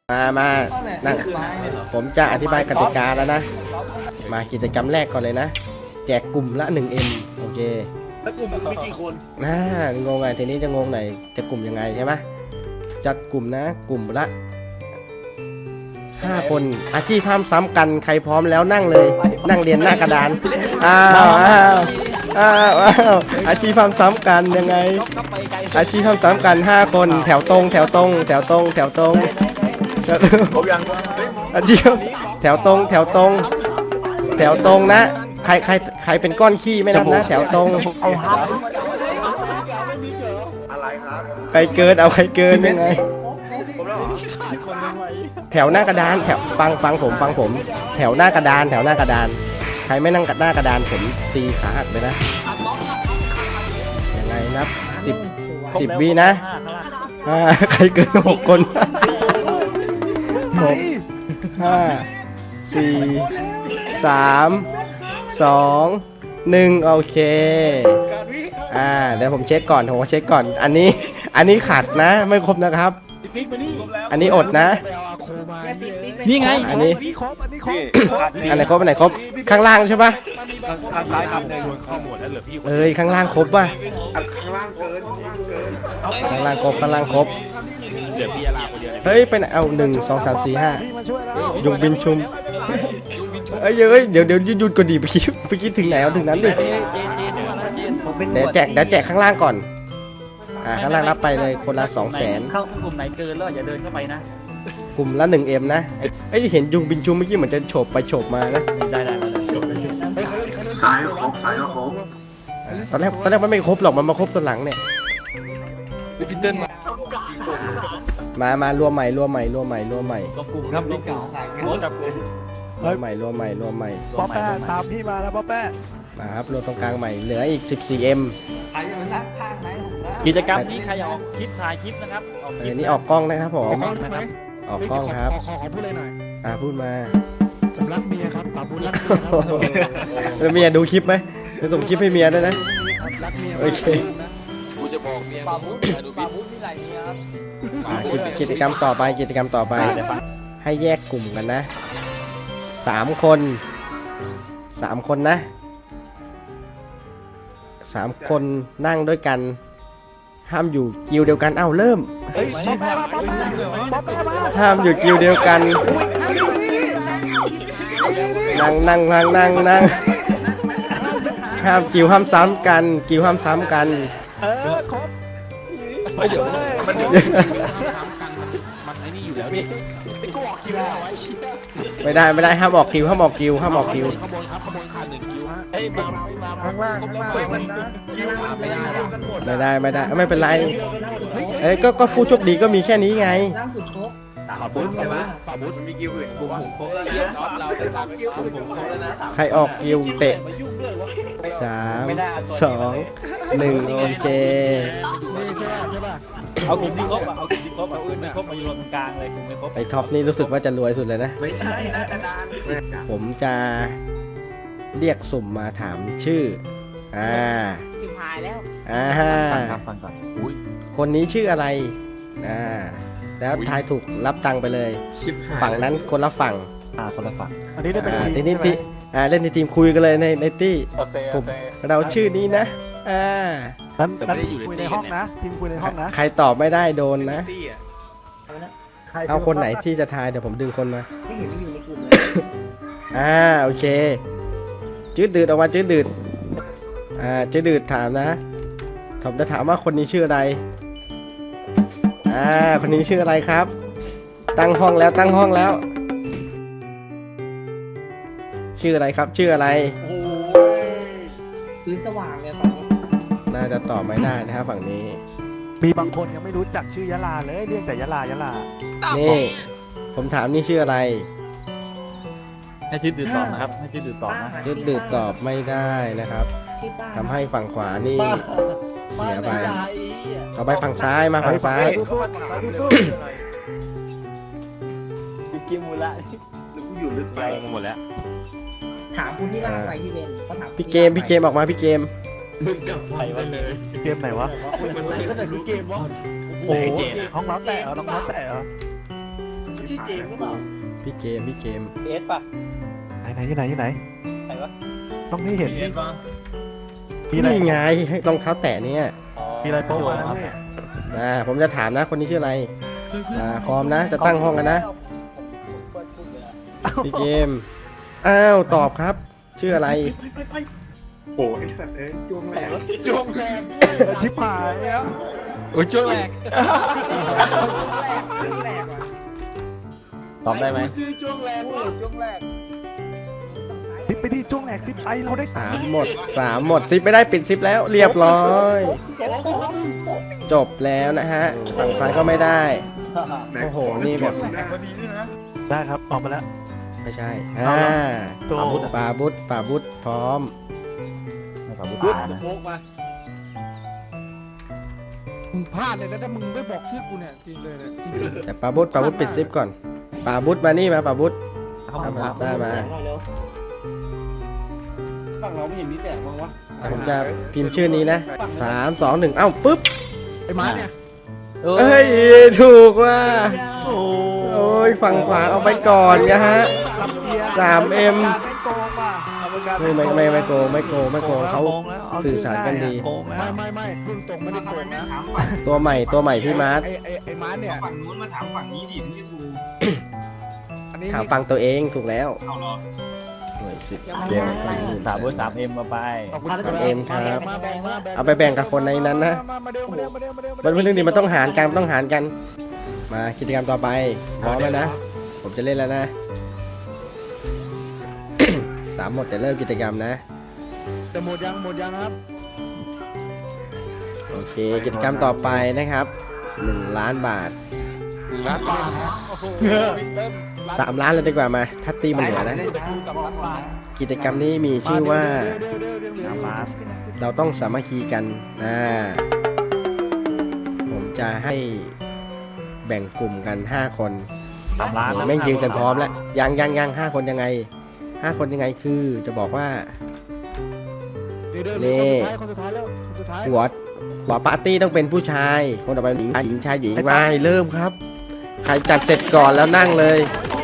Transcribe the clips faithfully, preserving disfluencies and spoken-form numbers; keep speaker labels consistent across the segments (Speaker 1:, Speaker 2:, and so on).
Speaker 1: มามานั่งผมจะอธิบายกติกาแล้วนะ มากิจกรรมแรกก่อนเลยนะ แจกกลุ่มละ หนึ่งเอ็ม โอเค
Speaker 2: แล้วกลุ่มมีกี่คน
Speaker 1: น่างงไงทีนี้จะงงไหนจะกลุ่มยังไงใช่ไหมจัดกลุ่มนะ กลุ่มละห้าคนอาชีพห้ามซ้ำกันใครพร้อมแล้วนั่งเลย นั่งเรียนหน้ากระดานอ้าวอ้าวอ้าวอ้าวอาชีพห้ามซ้ำกันยังไงอาชีพห้ามซ้ำกันห้าคนแถวตรงแถวตรงแถวตรงแถวตรง
Speaker 2: ครบยัง
Speaker 1: อาชีพแถวตรงแถวตรงแถวตรงนะใครใครใครเป็นก้อนขี้ไม่นับนะแถวตรง
Speaker 2: อะไรครับ
Speaker 1: ใครเกินเอาใครเกินยังไงแถวหน้ากระดานแถวฟังฟังผมฟังผม แถวหน้ากระดานแถวหน้ากระดานใครไม่นั่งหน้ากระดานผมตีขาหักเลยนะยังไงนับสิบสิบวินะใครเกินหกคนหกห้าสี่สามสองหนึ่งโอเคอ่าเดี๋ยวผมเช็คก่อนผมเช็คก่อนอันนี้อันนี้ขาดนะไม่ครบนะครับอันนี้อดนะ
Speaker 3: นี่ไง
Speaker 1: อันนี้อันไหนครบอันไหนครบข้างล่างใช่ปะ
Speaker 2: ข้างซ้ายครับในส่วนข้อมูลแล้วเหลือพี่
Speaker 1: เอ้ยข้างล่างครบป่ะ
Speaker 2: ข้างล่างเกิน
Speaker 1: ข้างล่างครบข้างล่างครบ
Speaker 2: เหลือพี่ยาลาคนเดียว
Speaker 1: เฮ้ยเป็นเอาหนึ่งสองสามสี่ห้ายุงบินชุมเอ้ยเอ้ยเดี๋ยวเดี๋ยวหยุดก่อนดิไปคิดไปคิดถึงไหนเอาถึงนั้นดิเดี๋ยวแจกเดี๋ยวแจกข้างล่างก่อนอ่าข้างล่างรับไปเลยคนละสองแสน
Speaker 3: เข้ากลุ่มไหนเกินแล้วอย่าเดินเข้าไปนะ
Speaker 1: กลุ่มละหนึ่งเอ็มนะไอ้เห็นยุงบินชุมเมื่อกี้เหมือนจะโฉบไปโฉบมานะ
Speaker 3: ได้ได้
Speaker 2: สายครบสายครบ
Speaker 1: ตอนแรกตอนแรกมันไม่ครบหรอกมันมาครบตอนหลังเนี่ย
Speaker 2: พีเติ้ล
Speaker 1: มามารวมใหม่รวมใหม่รวมใหม่รวมใหม่
Speaker 3: รวมกลุ่มครับรวมกลุ่มรวมกลุ่ม
Speaker 1: รวมใหม่รวมใหม่รวมใหม่
Speaker 4: ป๊อปแป้ตามพี่มาแล้วป๊อปแป้
Speaker 1: มาครับรวมตรงกลางใหม่เหลืออีก สิบสี่เอ็ม
Speaker 3: ใครจะนั่งข้างไหนกิจกรรมนี้ใครออกคลิปถ่ายคลิปนะครับ
Speaker 1: เออนี่ออกกล้องนะครับผมออกกล้องครับ
Speaker 4: ขอขอพูดเลยหน่อย
Speaker 1: อ่าพูดมา
Speaker 4: ผมรักเมียครับป่าพูดรักเมียครับ
Speaker 1: เมียดูคลิปไหมจะส่งคลิปให้เมียด้วยนะโอเค
Speaker 2: กูจะบอกเมีย
Speaker 3: ป่าพูดป่าพูดมีหลายเมียครับ
Speaker 1: กิจกรรมต่อไปกิจกรรมต่อไปให้แยกกลุ่มกันนะสามคนสามคนนะสามคนนั่งด้วยกันห้ามอยู่กิวเดียวกันเอ้าเริ่มห้ามอยู่กิวเดียวกันนั่งนั่งนั่งนั่งนั่งห้ามกิวห้ามซ้ำกันกิวห้ามซ้ำกัน
Speaker 4: เออครบ
Speaker 2: ไม่เดี๋ยวมัน
Speaker 3: มันไอ้นี่อยู่แล้วพี่
Speaker 1: ไม่ได้ไม่ได้ห้ามออกกิวห้ามออกกิวห้ามออกกิว
Speaker 2: ขบวนครับขบวนขาดหนึ่งคิวฮะเอ้ยมา
Speaker 4: ข้างล่างข้างล่าง
Speaker 1: ไม่ได้ไม่ได้ไม่เป็นไรเอ้ยก็ก็ผู้โชคดีก็มีแค่นี้ไง
Speaker 2: ป่าบุ๊ใช่ไหมป่าบุ๊มีคิวอื่นบุ้งครบแล้วเราจะตามไปบุ้งครบแล้วนะ
Speaker 1: ใครออกกิวเตะสามสองหนึ่งโอเค
Speaker 3: เอากลุ่มที่ครบอ่ะเอากลุ่มที่ครบเอาอื่นไม่ครบมาอยู่ตรงกลางเลยกลุ่มไม่ครบ
Speaker 1: ไอ้ท็อปนี่รู้สึกว่าจะรวยสุดเลยนะ
Speaker 2: ไม่ใช่นะอาจารย์
Speaker 1: ผมจะเรียกสุ่มมาถามชื่ออ่า
Speaker 5: ชิมหายแล้ว
Speaker 1: อ่า
Speaker 3: ฟังก่อน
Speaker 1: คนนี้ชื่ออะไรอ่าแล้วทายถูกรับตังค์ไปเลยฝั่งนั้นคนละฝั่ง
Speaker 3: อ่าคนละฝั่ง
Speaker 4: อันนี้ได้เป็น
Speaker 1: ทีนี้ที่อ่าเล่นในทีมคุยกันเลยในในที่ผมเราชื่อนี้นะอ่า
Speaker 4: นั้นนั้นคุยในห้องนะทีมคุยในห้องนะ
Speaker 1: ใครตอบไม่ได้โดนนะเอาคนไหนที่จะทายเดี๋ยวผมดึงคนมา
Speaker 5: ไม่เห็นอยู่ในกลุ่มเลย
Speaker 1: อ่าโอเคจืดดืดออกมาจืดดืดอ่าจืดดืดถามนะผมจะถามว่าคนนี้ชื่ออะไรอ่าคนนี้ชื่ออะไรครับตั้งห้องแล้วตั้งห้องแล้วชื่ออะไรครับชื่ออะไร
Speaker 5: พื้นสว่างเนี่ยฝั่งนี้
Speaker 1: น่าจะตอบไม่ได้นะครับฝั่งนี้
Speaker 4: มีบางคนยังไม่รู้จักชื่อยะลาเลยเรียกแต่ยะลายะลา
Speaker 1: นี่ผมถามนี่ชื่ออะไร
Speaker 3: ให้ชื่อดื่มตอบนะครับให้ชื่อดื่มตอบนะ
Speaker 1: ชื่อดื่มตอบไม่ได้นะครับทำให้ฝั่งขวานี่เสียไปต่อไปฝั่งซ้ายมาฝั่งซ้าย
Speaker 3: กิมมูละ
Speaker 2: อยู่ลึกไปหมดแล้ว
Speaker 5: ถามคุณที่ล่างไปพี่เบนก็ถาม
Speaker 1: พี่เกมพี่เกมออกมาพี่เกม
Speaker 2: มึงกับไปวันเลย
Speaker 4: เกมไหนวะมันอะไรก็ไหนมีเกมวะโอ้ห้องน้ำแตะเหรอห้องน้ำแตะเหรอ
Speaker 2: ชื่อเจมส์หรือเปล่า
Speaker 1: พี่เกมพี่เกม
Speaker 3: เอสป่ะ
Speaker 4: ไหนไหนที่ไหนที่ไหน
Speaker 3: ไหนวะ
Speaker 4: ต้องให้เห็น
Speaker 3: เอสป่ะ
Speaker 4: มีอะไร
Speaker 1: นี่ไงรองเท้าแตะเนี่ย
Speaker 4: มีอะไรโป๊ะมาแล้วพี่
Speaker 1: อ่าผมจะถามนะคนนี้ชื่ออะไรอ่าพร้อมนะจะตั้งห้องกันนะพี่เกมอ้าวตอบครับชื่ออะไร
Speaker 2: โอ้ยสัตว์เอ้ยจวงแหลกจวงแหลก
Speaker 4: ชิบหายแล้ว
Speaker 3: โอ้ยช่วงแรกตอบได้ไหม
Speaker 2: คือจวงแหลกว่ะ
Speaker 4: ซิปไปดิจ้วงแหลกซิปไปเราได้
Speaker 1: สามหมดสามหมดซิปไม่ได้ปิดซิปแล้วเรียบร้อย จบแล้วนะฮะฝั่งซ้ายก็ไม่ได้โอ้โหนี่แบบ
Speaker 4: ได้ครับออกมาแล้ว
Speaker 1: ไม่ใช่อ่า
Speaker 4: ตัว
Speaker 1: ปาบุตปาบุตพร้อม
Speaker 2: ปุ๊บโป๊กมา
Speaker 6: มึงพลาดเลยนะถ้ามึงไม่บอกชื่อกูเนี่ยจริงเลยเนี่ยจริง
Speaker 1: แต่ปาบุตปาบุตปิดซิปก่อนปาบุตมานี่มาปาบุตเอามาได้มา
Speaker 2: ฝั่งเราไม่เห็นมีแสงบ้างวะ
Speaker 1: แต่ผมจะพิมพ์ชื่อนี้นะสามสองหนึ่งเอ้าปุ๊บ
Speaker 6: ๆไอ้ม้าเนี่ย
Speaker 1: เอ้ยถูกว่าโอ้ยฝั่งขวาเอาไปก่อนนะฮะ สามเอ็ม
Speaker 4: ไม่โกงว่ะ
Speaker 1: ไม่ไม่ไม่ไม่โกงไม่โกงไม่โกงเขา
Speaker 4: โกงแล้ว
Speaker 1: สื่อสารกันดี
Speaker 4: โกงแล้ว
Speaker 6: ไม่ไม่ไม่พุ่งตรงไม่ได้โกงนะ
Speaker 1: ตัวใหม่ตัวใหม่พี่มาร์ท
Speaker 6: ไอ้ไอ้ไอ้ม้าเนี่ย
Speaker 2: ฝั่งนู้นมาถามฝั่งนี้ดิที่ถูก
Speaker 6: อันนี้
Speaker 1: ถามฟังตัวเองถูกแล้ว
Speaker 2: เอาเหรอ
Speaker 1: หน่วยสิบ
Speaker 3: เดี๋ยวสามบนสามเอ็มมาไป
Speaker 6: ขอบคุณ
Speaker 1: สามเอ็มครับ
Speaker 6: มาแบ่งมาแบ่ง
Speaker 1: เอาไปแบ่งกับคนในนั้นนะ
Speaker 6: มามาเร็วมาเร็วมาเร็วมาเร็ว
Speaker 1: มันเป็นเรื่องนี้มันต้องหารกันมันต้องหารกัน มากิจกรรมต่อไปพร้อมแล้วนะ ผมจะเล่นแล้วนะ สามหมดจะเริ่มกิจกรรมนะ
Speaker 6: จะหมดยังหมดยังครับ
Speaker 1: โอเค กิจกรรมต่อไปนะครับหนึ่งล้านบาท
Speaker 6: หนึ่งล้านบาทโอ้โหเริ่ม
Speaker 1: สามล้านเลยดีกว่ามา ถ้าตีมันเหลือนะ
Speaker 6: กับล้านบาท
Speaker 1: กิจกรรมนี้มีชื่อว่า
Speaker 6: เดี๋ยวเดี๋ยวเดี๋ยวเดี๋ยวเดี๋ยว
Speaker 3: มา
Speaker 1: เราต้องสามัคคีกันนะผมจะให้แบ่งกลุ่มกันห้าคน
Speaker 3: สามล้าน
Speaker 1: โอ้แม่งยืนกันพร้อมแล้วยังยังยังห้าคนยังไงห้าคนยังไงคือจะบอกว่า
Speaker 6: เดี๋ยวเดี๋ยว
Speaker 1: นี่
Speaker 6: เดี๋ยวคนสุดท้ายคนสุดท้ายแล้วคนสุดท้าย
Speaker 1: หัวหัวปาร์ตี้ต้องเป็นผู้ชาย คนต่อไปหญิงหญิงชายหญิงไปเริ่มครับ ใครจัดเสร็จก่อนแล้วนั่งเลย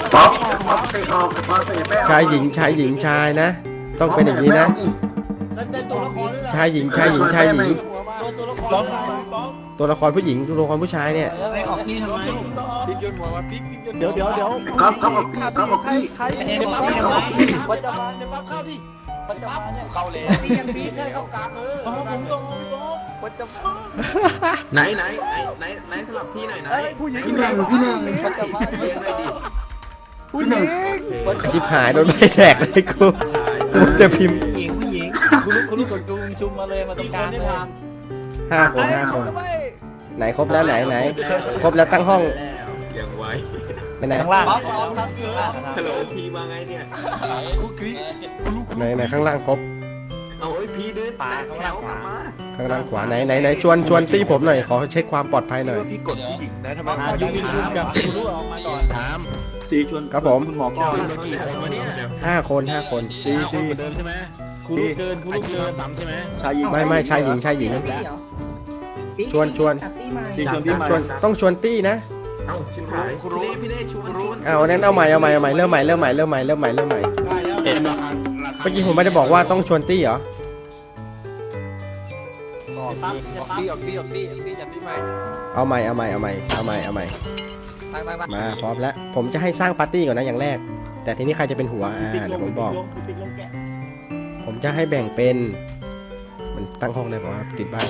Speaker 1: ชายหญิงชายหญิงชายนะ ต้องเป็นอย่างนี้นะ
Speaker 2: แล้วได้ตัวละครด้วยล่ะ
Speaker 1: ชายหญิงชายหญิงชายหญิง
Speaker 2: ตัวละคร
Speaker 3: ล้อม
Speaker 1: ตัวละครผู้หญิงตัวละครผู้ชายเนี่ย
Speaker 2: ไม่ออกนี่ทำไม
Speaker 6: พลิกยนต์หัวมาพลิกพลิกยนต์
Speaker 4: เดี๋ยวเดี๋ยวเดี๋ยว
Speaker 2: ครับครับออกพี่ครับออกพี่
Speaker 4: ใคร
Speaker 3: เอ็ม
Speaker 4: เก็บ
Speaker 3: มา
Speaker 4: มา
Speaker 3: เอ็ม
Speaker 4: เก็บ
Speaker 3: มา
Speaker 4: มา
Speaker 3: ปัจจุบัน
Speaker 2: เดี๋ยวปั๊บเข้าดิ
Speaker 3: ปัจจุบันเนี่ย
Speaker 2: เข้าเลยนี่ยังพี่ใช่เข้ากลางเออ
Speaker 3: ผมต้องปัจจุบัน
Speaker 2: ไหนไหนไหนไหนไหนสลับพี่หน่อยไหน
Speaker 4: เอ้ยผู้หญิง
Speaker 2: พี่หนึ่งพี่หนึ่ง
Speaker 3: ปัจจุบัน
Speaker 2: เลี้ยงเลยดิ
Speaker 4: ผู้หญิง
Speaker 1: ชิบหายโดนใบแตกเลยกูกูจะพิมพ์
Speaker 2: ผู้หญิงผู้หญิง
Speaker 3: คุณลูกคุณลูกกดจุงชุมมาเลยมาตรงกลางเลย
Speaker 1: ห้าคนห้าคน ไหนครบแล้วไหนไหนครบแล้วตั้งห้อง
Speaker 2: ยังไว
Speaker 1: ไปไหน
Speaker 3: ข้างล่าง
Speaker 2: ฮัลโหลพี่มาไงเนี่ย
Speaker 6: กูกรี๊ด
Speaker 1: ไหนไหนข้างล่างครบ
Speaker 2: เอาไอ้พี่เดินตาแถวกลับมา
Speaker 1: ข้างล่างขวาไหนไหนไหนชวนชวนตี้ผมหน่อยขอเช็คความปลอดภัยหน่อย
Speaker 2: พี่กดผู้หญิงนะทำไม
Speaker 3: อ่ายูวินยูกับคุณลูกออกมาก่อน
Speaker 2: ถามสีชวน
Speaker 1: ครับผม
Speaker 2: คุณหมอก่อนกี่คนวะเนี่ย
Speaker 1: ห้าคนห้าคน
Speaker 2: สีสีเดิมใช่ไหม
Speaker 3: คุณลูกเกินคุณลูกเกิน
Speaker 2: ซ้ำใช่ไหม
Speaker 3: ชายหญิง
Speaker 1: ไม่ไม่ชายหญิงชายหญิง ชวนชวน
Speaker 2: สีชวนพี่มา
Speaker 1: ชวนต้องชวนตี้นะ
Speaker 2: เอ้าชิบหายคุณรู้พี่ได้ชวนรู้
Speaker 1: เอานั้นเอาใหม่เอาใหม่เอาใหม่เริ่มใหม่เริ่มใหม่เริ่มใหม่เริ่มใหม่เริ่มใหม่
Speaker 2: เห็นไหม
Speaker 1: เมื่อกี้ผมไม่ได้บอกว่าต้องชวนตี้เหรอ
Speaker 6: ออกตีออกตีออกตีออกตีจัดตีใหม่
Speaker 1: เอาใหม่เอาใหม่เอาใหม่เอาใหม่เอาใหม่
Speaker 6: ตั้งตั้งตั้ง
Speaker 1: มาพร้อมแล้วผมจะให้สร้างปาร์ตี้ก่อนนะอย่างแรก แต่ทีนี้ใครจะเป็นหัวอ่าเดี๋ยวผมบอก ผมจะให้แบ่งเป็น มันตั้งห้องได้ป่าวะติดบ้าน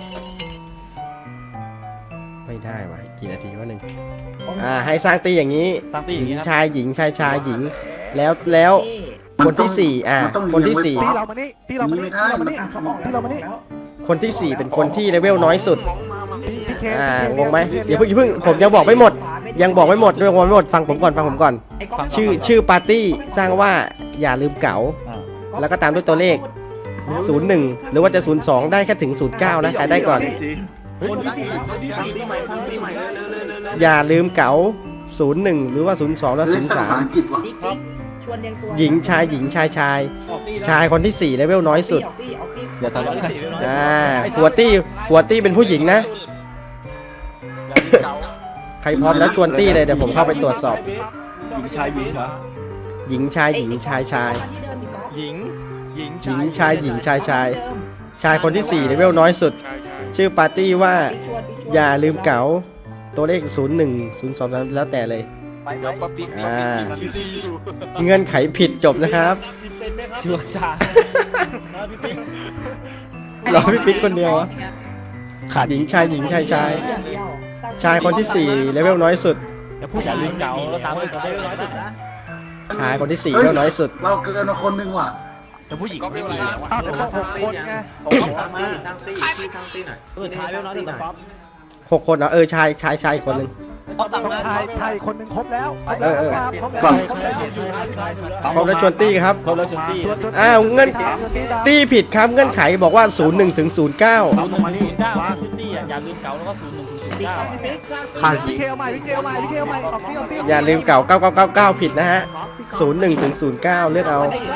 Speaker 1: ไม่ได้วะกี่นาทีวะหนึ่งอ่าให้สร้างตีอย่างนี้
Speaker 3: ตั้งตี
Speaker 1: ห
Speaker 3: อย่าง
Speaker 1: ญิง
Speaker 3: นี้ครับ
Speaker 1: ชายหญิงชายชายหญิง แล้วแล้วคนที่สี่อ่าคนที่สี่
Speaker 4: ที่เรามานี่ที่เรามานี่ที่เรามานี่ที่เรามานี่
Speaker 1: คนที่สี่เป็นคนที่เลเวลน้อยสุด
Speaker 4: พี่พี่เค
Speaker 1: อ่า
Speaker 4: พี่เค
Speaker 1: งงไหมเดี๋ยวเพิ่งอย่าเพิ่งผมยังบอกไม่หมด ยังบอกไม่หมดยังบอกไม่หมดฟังผมก่อนฟังผมก่อน ชื่อชื่อปาร์ตี้สร้างว่าอย่าลืมเก๋าแล้วก็ตามด้วยตัวเลขศูนย์หนึ่งหรือว่าจะศูนย์สองได้แค่ถึงศูนย์เก้านะใครได้ก่อน
Speaker 2: คนที่สี่คนที่สี่ใหม่ทำปีใหม่เร็วเร็วเร็วเร็ว
Speaker 1: อย่าลืมเก๋าศูนย์หนึ่งหรือว่าศูนย์สองแล้วศูนย์สามหญิงชายหญิงชายชาย ชายคนที่สี่เลเวลน้อยสุด
Speaker 3: เดี๋ยวตอนนี้
Speaker 1: อ่าหัวตี้หัวตี้เป็นผู้หญิงนะรพร้อมแล้วชวนตี้เลยเดี๋ยวผมเข้าไปตรวจสอบ
Speaker 2: หญิงชายหญิงเหรอ
Speaker 1: หญิงชายหญิงชายชาย
Speaker 5: ที่เดิมอีกก๊อฟ
Speaker 2: หญิงหญิง
Speaker 1: หญิงชายหญิงชายชาย ชายคนที่สี่เลเวลน้อยสุด ชื่อปาร์ตี้ว่าอย่าลืมเก๋าตัวเลขศูนย์หนึ่งศูนย์สองแล้วแต่เลย
Speaker 2: เดี๋ยวป๊อปปี้
Speaker 1: อ่าเงื่อนไขผิดจบนะครับ
Speaker 3: ชัวร์จ้าพี่ปิ๊ก
Speaker 1: รอพี่ปิ๊กคนเดียวอะขาดหญิงชายหญิงชายชาย ชายคนที่สี่เลเวลน้อยสุด
Speaker 3: อย่าพูดอย่าลืมเก่าแล้วตามด้วยตัวเลขน้อยสุดนะ
Speaker 1: ชายคนที่สี่เลเวลน้อยสุด
Speaker 7: เราเกินมาคนหนึ่งว่ะ
Speaker 3: แต่ผู้หญิงไม่มี
Speaker 4: อ้าวแต่ต้องหกคนไง
Speaker 2: ผมตั้งมาตั้งตี้ชื่อตั้งตี้หน่อย
Speaker 3: เออท้ายแล้วน้อยสุดนะป๊อป
Speaker 1: หกคนเหรอเออชายชายชายอีกคนหนึ่ง
Speaker 4: ต้องชายชายคนหนึ่งครบแล้วครบ
Speaker 1: เอ
Speaker 4: แล้ว
Speaker 1: อเออ
Speaker 4: ครับครบ
Speaker 7: ก่อน
Speaker 4: แล้วครบแล้ว
Speaker 1: ครบแล้วชวนตี้ครับ
Speaker 3: ครบแล้วจุดที่
Speaker 4: ชวนชวน
Speaker 1: อ้าวเงื่อน
Speaker 4: ชวนตีดาว
Speaker 1: ตี้ผิดครับเงื่อนไขบอกว่าศูนย์หนึ่งถึงศูนย์เก้า
Speaker 3: ศูนย์หนึ่งศูนย์เก้าซิตี้อ่ะอย่าลืมเก่าแล้วก็ศูนย์หนึ่งศูนย์เก้า
Speaker 7: ขาด
Speaker 4: พี่เคเอาใหม่พี่เคเอาใหม่พี่เคเอาใหม่ออกตีออกตี
Speaker 1: อย่าลืมเก่าเก้าเก้าเก้าเก้าผิดนะฮะศูนย์หนึ่งถึงศูนย์เก้าเลือกเอา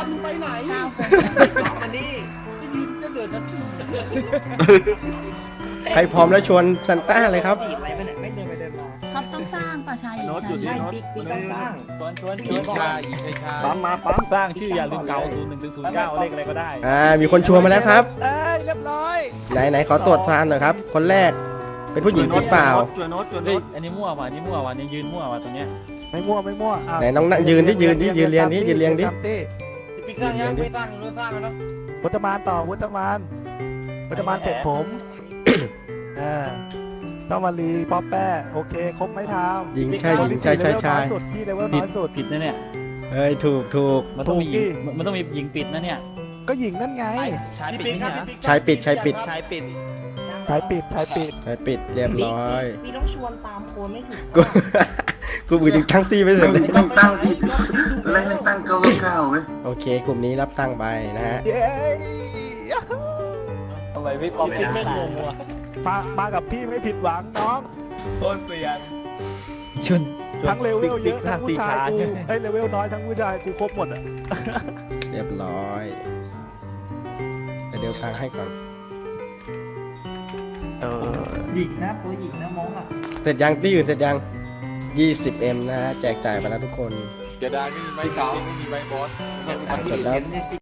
Speaker 1: ใครพร้อมแล้วชวนซันต้าเลยครับ
Speaker 5: อะไรไปไหนไม่เดินไปเดินมา
Speaker 8: ท็อปต้องสร้างป่ะชายหญิงชาย
Speaker 5: ใช่บิ๊กบิ๊กต้องสร้าง
Speaker 3: ชวนชวนช
Speaker 2: หญิ
Speaker 3: วน
Speaker 2: งชายหญิงชายชาย
Speaker 3: ปั๊มมาปั๊มสร้างชื่ออย่าลืมเก่าศูนย์หนึ่งถึงศูนย์เก้าเลขอะไรก็ได้
Speaker 1: อ่ามีคนชวนมาแล้วครับ
Speaker 4: เอ้ยเรียบร้อย
Speaker 1: ไหนไหนขอตรวจซานหน่อยครับ คนแรกเป็นผู้หญิงจริงเปล่า
Speaker 2: จวนโน้ตจวน
Speaker 3: เฮ้
Speaker 2: โน้
Speaker 3: ย
Speaker 2: ต
Speaker 3: อันนี้มั่วว่ะอันนี้มั่วว่ะอันนี้ยืนมั่วว่ะตรงเนี้ย
Speaker 4: ไม่มั่วไม่มั่วอ่ะ
Speaker 1: ไหนน้องนั่งยืนที่ยืนที่ยืนเรียงที่ยืนเรียงดิ
Speaker 4: ตามตี้
Speaker 2: ปิ๊กสร้างยังไม่สร้างไม่สร้างแล้ว
Speaker 4: วุฒมานต่อวุฒมานวุฒมานเสร็จผมเออต้องมารีป๊อปแป้โอเคครบไหมทาม
Speaker 1: หญิงชายหญิงชายชายชาย
Speaker 4: พี่เลเวล
Speaker 3: ผิ
Speaker 4: น้
Speaker 3: ด
Speaker 4: อยสุด
Speaker 3: ผิดนะเนี่ย
Speaker 1: เฮ้ยถูกถูก
Speaker 3: มันต้องมีห
Speaker 4: ถู
Speaker 3: ญิ
Speaker 4: ก
Speaker 3: ง
Speaker 4: ดิ
Speaker 3: มันต้องมีหญิงปิดนะเนี่ย
Speaker 4: ก็หญิงนั่นไง
Speaker 3: ชายปิดนี่นะ
Speaker 1: ชายปิดชายปิด
Speaker 3: ชายปิด
Speaker 4: ชายปิดชายปิด
Speaker 1: ชายปิดเรียบร้อย
Speaker 5: พี่ต้องชวนตามโคนไม่ถูก
Speaker 1: กูกูมือถึงตั้งตี้ไม่เสร็จเลย
Speaker 7: ต้องตั้งที่แรกตั้งเก้าเก้าเว้ย
Speaker 1: โอเคกลุ่มนี้รับตั้งไปนะฮะ
Speaker 4: เย้
Speaker 3: ทำไมพี่ป๊อปปิดไม่งงวะ
Speaker 4: มามากับพี่ไม่ผิดหวังน้อง
Speaker 3: โคตรเสียนชน
Speaker 4: ทั้งเลเวลเยอะ
Speaker 3: ทา
Speaker 4: ทั้
Speaker 3: ง
Speaker 4: ง
Speaker 3: ตี
Speaker 4: ผู้ชาย
Speaker 3: ขา
Speaker 4: กูเอ้ยเลเวลน้อยทั้งผู้ชายกูครบหมดอ่ะ
Speaker 1: เรียบร้อยแต่เดี๋ยวตังค์ให้ก่อน
Speaker 4: เออ
Speaker 5: หญิงนะตัวหญิงนะมองอ่ะ
Speaker 1: เสร็จยังตี้อื่นเสร็จยัง ยี่สิบเอ็ม นะฮะแจกจ่ายไปแล้วทุกคน
Speaker 2: เดี๋ยวได้ไม่มีใบเก่าไม่มีใบบอส
Speaker 1: จดแล้ว